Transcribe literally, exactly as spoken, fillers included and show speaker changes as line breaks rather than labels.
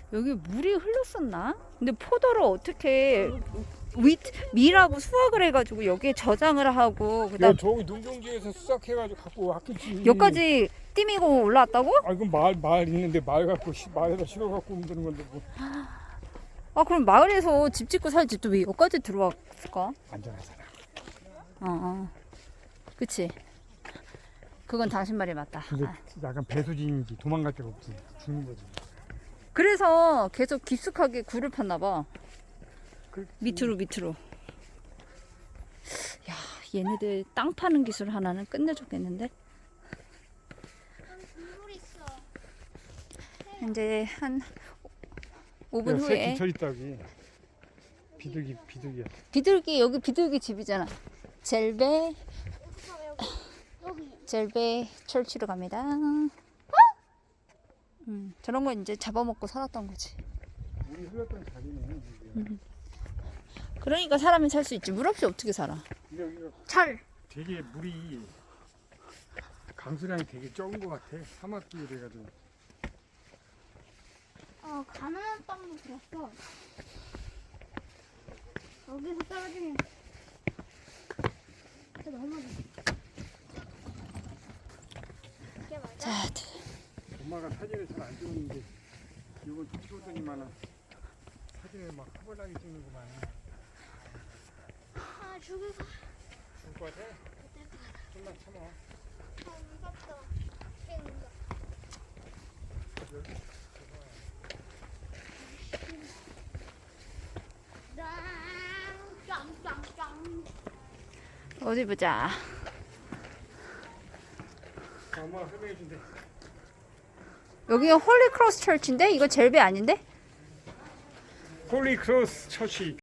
여기 물이 흘렀었나? 근데 포도를 어떻게 위, 미라고 수확을 해가지고 여기에 저장을 하고
야
그다음
저기 농경지에서 수확해가지고 갖고 왔겠지.
여기까지 띠미고 올라왔다고?
아 이건 마을 마을 있는데 마을 갖고 시- 마을에다 실어 갖고 오면 되는 건데 뭐
아 그럼 마을에서 집 짓고 살 집도 왜 여기까지 들어왔을까?
안전하잖아.
어, 어. 그치. 그건 당신 말이 맞다.
근데
아.
약간 배수진인지 도망갈 데가 없지. 죽는 거지.
그래서 계속 깊숙하게 굴을 팠나 봐.
그렇지.
밑으로 밑으로. 야, 얘네들 땅 파는 기술 하나는 끝내줬겠는데?
물 있어.
이제 한 오 분
야, 새
후에
기철 있다기. 비둘기 비둘기야.
비둘기 여기 비둘기 집이잖아. 젤베
여기 여기.
젤베 철치로 갑니다. 음, 저런 거 이제 잡아먹고 살았던 거지.
물이 흘렀던 자리네.
음. 그러니까 사람이 살 수 있지. 물 없이 어떻게 살아?
근데 여기가
철.
되게 물이 강수량이 되게 적은 것 같아. 사막길 돼가지고.
어 가난한 땅도 들었어. 여기서 떨어지면 진짜 너무 이게 맞아?
자,
엄마가 사진을 잘 안 찍었는데 이건 찍었더니만은 사진을 막 허벌나게 찍는구만.
아 죽을 것
죽을 것 같아? 좀만 참아.
같아. 무섭다. 꽤 무섭다. 짱짱짱.
어디 보자.
엄마가 설명해 준대.
여기가 홀리 크로스 철치인데 이거 젤베 아닌데?
홀리 크로스 처치.